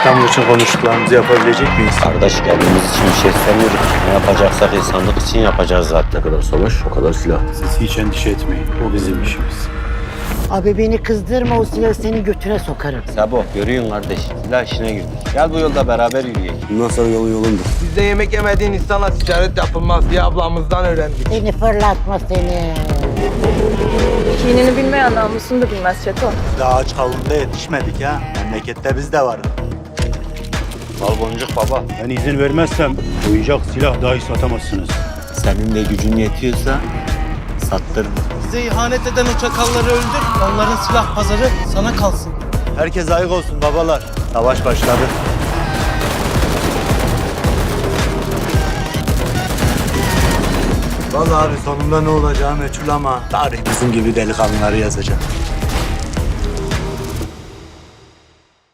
İstanbul için konuştuklarımızı yapabilecek miyiz? Kardeş kendimiz için bir şey istemiyoruz. Ne yapacaksak insanlık için yapacağız zaten. Ne kadar savaş, o kadar silah. Siz hiç endişe etmeyin. O bizim işimiz. Abi beni kızdırma, o silahı senin götüne sokarım. Sabo görüyorsun kardeş. Silah işine girdik. Gel bu yolda beraber yürüyelim. Bundan sonra yolun yolundur. Bizde yemek yemediğin insanla ticaret yapılmaz diye ablamızdan öğrendik. Seni fırlatma seni. Kinini bilmeyen namusunu da bilmez Çeto. Daha aç kavunda yetişmedik ha. Memlekette biz de var. Al boncuk baba. Ben izin vermezsem oyuncak silah dahi satamazsınız. Senin de gücün yetiyorsa sattır. Bize ihanet eden o çakalları öldür. Onların silah pazarı sana kalsın. Herkes ayık olsun babalar. Savaş başladı. Vallahi abi sonunda ne olacağı meçhul ama tarih bizim gibi delikanlıları yazacak.